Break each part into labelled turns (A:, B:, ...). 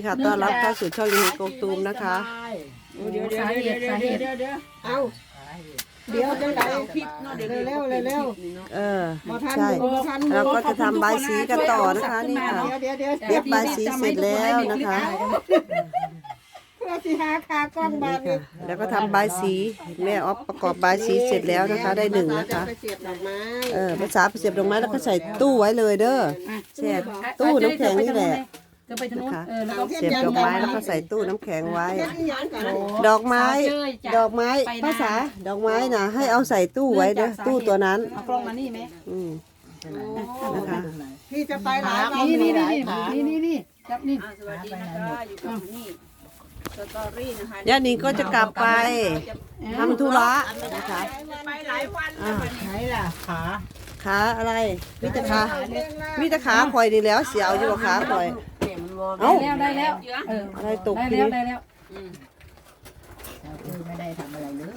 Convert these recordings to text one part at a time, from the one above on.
A: ค่ะต้อนรับเข้าสู่ช่องยูนิโกตูมนะคะ
B: เดี๋ยวเอาเดี๋ยวจะไหลคลิปเนาะเดี๋ยวเร็ว
A: ใช่เราก็จะทำใบสีกันต่อนะคะนี่ค่ะเย็บใบสีเสร็จแล้วนะคะ
B: เพื่อที่หาคากล้องบานนี้
A: แล้วก็ทำใบสีแม่ออฟประกอบใบสีเสร็จแล้วนะคะได้หนึ่งนะคะ
B: ไปเสียบดอกไม้
A: ภาษาเสียบดอกไม้แล้วก็ใส่ตู้ไว้เลยเด้อแช่ตู้น้ำแข็งนี่แหละนะคะเสียบดอกไม้แล้วก็ใส่ตู้น้ำแข็งไว้ ดอกไม้ภาษาดอกไม้นะให้เอาใส่ตู้ไว้เด้อตู้ตัวนั้น
C: เอากล้องมานี่ไหม
A: นะคะ
B: พี่จะไปหลายวัน
C: นี่จับนี่
D: สวัสดีนะคะอยู่กับนี่สตอรี่นะคะ
A: ย่านิงก็จะกลับไปทำธุระนะคะ
D: ไปหลายวันแล้ววันนี้
B: ไหนล่ะขา
A: ขาอะไรมีแต่ขาคอยดีแล้วเสียวอยู่กับขาคอยเอ้า
C: ได้แล้ว
A: อะไรตก
C: ได้
A: ที
C: แล้ว
A: นี้
C: ได้แล้ว
B: ไม่ได้ทำอะไรเลย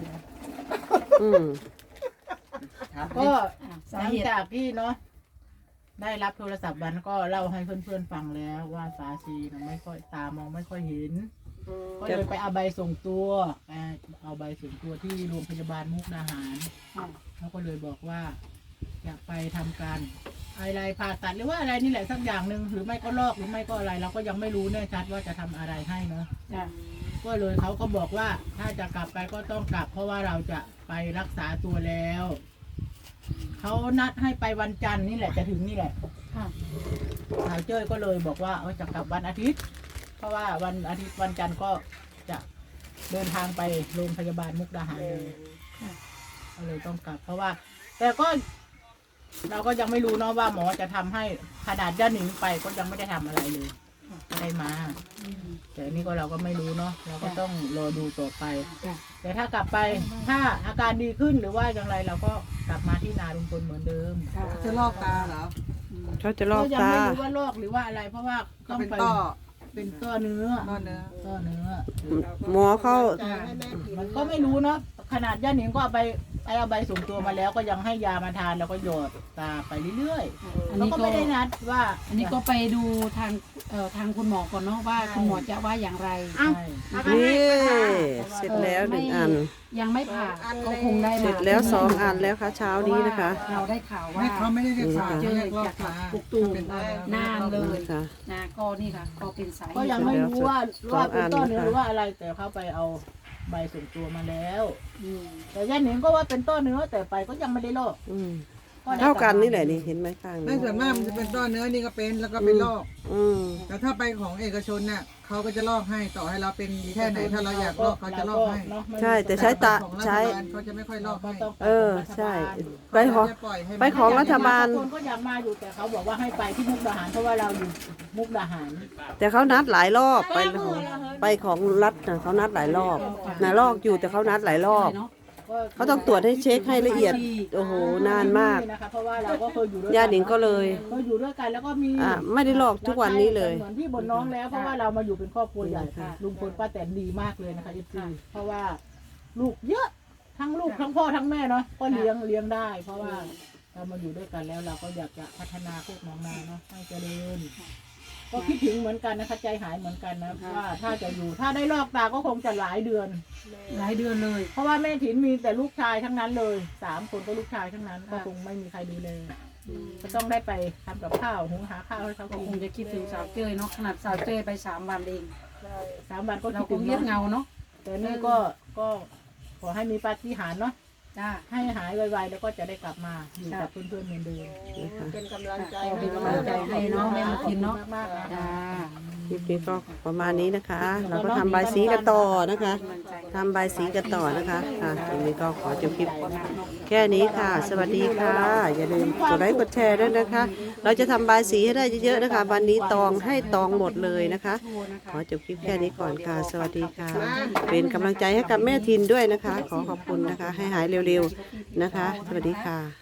A: อืม
B: ก็หลังจากที่เนาะได้รับโทรศัพท์วันก็เล่าให้เพื่อนๆฟังแล้วว่าสาชีไม่ค่อยตามองไม่ค่อยเห็นก็เลยไปเอาใบส่งตัวเอาใบส่งตัวที่โรงพยาบาลมุกดาหารเขาก็เลยบอกว่าอยากไปทำการอะไรผ่าตัดหรือว่าอะไรนี่แหละสักอย่างหนึ่งหรือไม่ก็ลอกหรือไม่ก็อะไร เราก็ยังไม่รู้แน่ชัดว่าจะทำอะไรให้เนาะก็เลยเขาก็บอกว่าถ้าจะกลับไปก็ต้องกลับ เพราะว่าเราจะไปรักษาตัวแล้วเขานัดให้ไปวันจันทร์นี่แหละจะถึงนี่แหละสาวเจ้ยก็เลยบอกว่าจะกลับวันอาทิตย์ เพราะว่าวันอาทิตย์วันจันทร์ก็จะเดินทางไปโรงพยาบาลมุกดาหารเลยก็เลยต้องกลับ เพราะว่า แต่ก็เราก็ยังไม่รู้เนาะว่าหมอจะทำให้ขนาดย่าหนิงไปก็ยังไม่ได้ทำอะไรเลยไม่ได้มาแต่นี่ก็เราก็ไม่รู้เนาะเราก็ต้องรอดูต่อไปแต่ถ้ากลับไปถ้าอาการดีขึ้นหรือว่าอย่างไรเราก็กลับมาที่นาลุงพลเหมือนเดิม
E: จะลอกตาเหรอ
A: เขาจะลอก
B: ยัง
A: ตา
B: ไม่รู้ว่าลอกหรือว่าอะไร เพราะว่าต้อง
E: เป็น
B: ไป
E: ต้อ
B: เป็นต้อเนื้อ
E: ต้อเนื้อ
B: ต้อเนื้อ
A: หมอเขา
B: มันก็ไม่รู้เนาะขนาดย่าหนิงก็เอาใบส่งตัวมาแล้วก็ยังให้ยามาทานแล้วก็หยอดตาไปเรื่อยๆแล้วก็ไม่ได้นัดว่า
C: อันนี้ก็ไปดูทางคุณหมอก่อนเนาะว่าคุณหมอจะว่าอย่างไร
A: นี่เสร็จแล้วหนึ่งอัน
C: ยังไม่ผ่าก็คงได้
A: เสร็จแล้ว2 อันแล้วค่ะเช้านี้นะคะ
C: เราได้ข่าวว่า
E: ไม่เขาไม่ได้เรียกสา
C: เจอ
E: เรียกลอ
C: จาก ก
E: ตา
C: ปุกตูม
E: เป็นต้อเนื้อ
C: นานเลย
A: ค่ะ
C: นะก็นี่ค่ะก็เป็นสาย
B: ก็ยังไม่รู้ว่าเป็นต้อเนื้อหรือว่าอะไรแต่เขาไปเอาใบส่งตัวมาแล้วแต่ย่าหนิงก็ว่าเป็นต้อเนื้อแต่ไปก็ยังไม่ได้ลอก
A: อืมเท่ากันนี่แหละนี่เห็นไหมข้าง
E: ไม่ส่วนมากมันจะเป็นต้อเนื้อนี่ก็เป็นแล้วก็เป็นลอก
A: อืม
E: แต่ถ้าไปของเอกชนเนี่ยเขาก็จะลอกให้ต่อให้เราเป็นแค่ไหนถ้าเราอยากลอกเขาจะลอกให้
A: ใช่แต่ใช้ตา
E: ของรัฐ
A: ใช้
E: บาลเขาจะไม่ค่อยลอกให้
A: ใช่ไปของ
E: จะปล่อยให้
A: ไปของรัฐบาล
B: คนก็อยากมาอยู่แต่เขาบอกว่าให้ไปที่มุกดาหารเพราะว่าเราอยู่มุกดาหาร
A: แต่เขานัดหลายรอบไปของรัฐนะเขานัดหลายรอบนะลอกอยู่แต่เขานัดหลายรอบ เขาต้องตรวจให้เช็คให้ละเอียดโอ้โหนานมาก
B: นะคะเพราะว่าเราก็เคยอยู่ด้วย
A: ญาติหนิงก็เลย
B: เคยอยู่ด้วยกันแล้วก็มี
A: ไม่ได้ลอกทุกวันนี้เลย
B: เหมือนพี่บนน้องแล้วเพราะว่าเรามาอยู่เป็นครอบครัวใหญ่ค่ะลุงพลป้าแตนดีมากเลยนะคะFCเพราะว่าลูกเยอะทั้งลูกทั้งพ่อทั้งแม่เนาะก็เลี้ยงได้ เพราะว่าเรามาอยู่ด้วยกันแล้วเราก็อยากจะพัฒนาพวกน้องนาเนาะให้เจริญก็คิดถึงเหมือนกันนะคะใจหายเหมือนกันนะว่าถ้าจะอยู่ถ้าได้ลอกตาก็คงจะหลายเดือน
C: เลย
B: เพราะว่าแม่ถิ่นมีแต่ลูกชายทั้งนั้นเลย3 คนก็ลูกชายทั้งนั้นก็คงไม่มีใครดูแลก็ต้องได้ไปทำกับข้าวหุงหาข้าวให้เขา
C: ก็
B: กิน
C: คงจะคิดถึงสาวเจ้ยเนาะขนาดสาวเจ้ยไป3 วันเอง
B: 3 วันก็
C: เรา
B: คิด
C: ค
B: ถึ
C: ง
B: ง
C: เงียบเงาเนาะ
B: แต่นี่ก็ขอให้มีปาฏิหาริย์เนาะ
C: จ้า
B: ให้หายไวๆแล้วก็จะได้กลับมาอยู่กับเพื่อนๆเหมือนเดิม
D: เป็นกำลังใจ
C: เป็นกำลังใจให้เนาะแม่มากินเนาะ
B: มากๆนะ
C: จ้า
A: คลิปนี้ก็ประมาณนี้นะคะ เราก็ทำใบสีกันต่อนะคะทำใบสีกันต่อนะคะตรงนี้ก็ขอจบคลิปแค่นี้ค่ะ สวัสดีค่ะ อย่าลืมกดไลค์กดแชร์ด้วยนะคะ เราจะทำใบสีให้ได้เยอะๆนะคะ วันนี้ตองให้ตองหมดเลยนะคะ ขอจบคลิปแค่นี้ก่อนค่ะ สวัสดีค่ะ เป็นกำลังใจให้กับแม่ทินด้วยนะคะ ขอขอบคุณนะคะ ให้หายเร็วๆนะคะ สวัสดีค่ะ